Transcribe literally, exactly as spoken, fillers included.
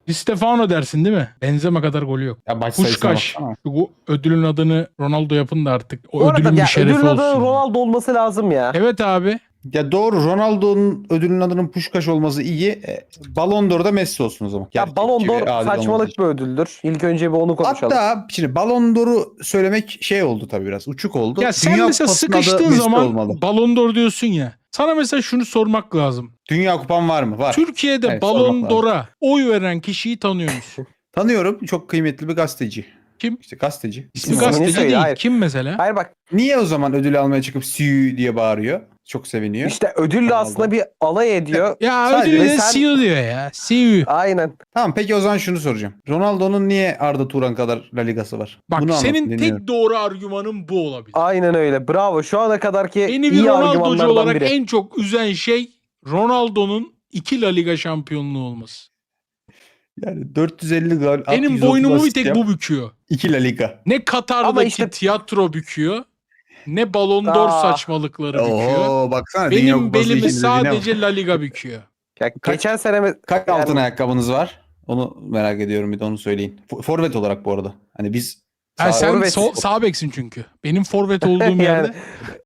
Di Stefano dersin değil mi? Benzema kadar golü yok. Ya maç sayısına Puşkaş. baksana. Bu ödülün adını Ronaldo yapın da artık. O Bu arada ödülün ya, bir şerefi ödülün adı olsun. Ronaldo olması lazım ya. Evet abi. Ya doğru, Ronaldo'nun ödülün adının Puşkaş olması iyi. E, Ballon d'Or'da Messi olsun o zaman. Ya Gerçekçi Ballon ve d'Or adil olması saçmalık için. bir ödüldür. İlk önce bir onu konuşalım. Hatta şimdi Ballon d'Or'u söylemek şey oldu tabii, biraz uçuk oldu. Ya sen Dünya mesela Kupası'nın adı sıkıştığın Messi zaman olmalı. Ballon d'Or diyorsun ya. Sana mesela şunu sormak lazım. Dünya Kupan var mı? Var. Türkiye'de Evet, Ballon sormak lazım. d'Or'a oy veren kişiyi tanıyor musun? Tanıyorum, çok kıymetli bir gazeteci. Kim? İşte gazeteci. İsmi İsmini gazeteci söyle, değil. hayır. Kim mesela? Hayır bak, Niye o zaman ödül almaya çıkıp "Sü" diye bağırıyor? Çok seviniyor. işte ödülle Ronaldo. aslında bir alay ediyor. Ya Sadece ödülü de sen- C E O diyor ya. C E O. Aynen. Tamam, peki o zaman şunu soracağım. Ronaldo'nun niye Arda Turan kadar La Ligası var? Bak Bunu senin anlatın, dinliyorum. tek doğru argümanın bu olabilir. Aynen öyle. Bravo. Şu ana kadarki Beni bir iyi Ronaldo'cu argümanlardan olarak biri. en çok üzen şey Ronaldo'nun iki La Liga şampiyonluğu olması. Yani dört yüz elli gol, Benim yüz otuz boynumu bir asist tek yap, bu büküyor. iki La Liga. Ne Katar'daki Ama işte- tiyatro büküyor, ne Ballon d'Or Aa. saçmalıkları büküyor. Oo, baksana Dünya Benim Kupası belimi ikinciliğine bak. sadece La Liga büküyor. Ya Kaç- geçen sene mi- Kaç yani- altın ayakkabınız var? Onu merak ediyorum, bir de onu söyleyin. F- Forvet olarak bu arada. Hani biz Ha, sağ- sen Forvet. sol, sağ beksin çünkü. Benim forvet olduğum Yani- yerde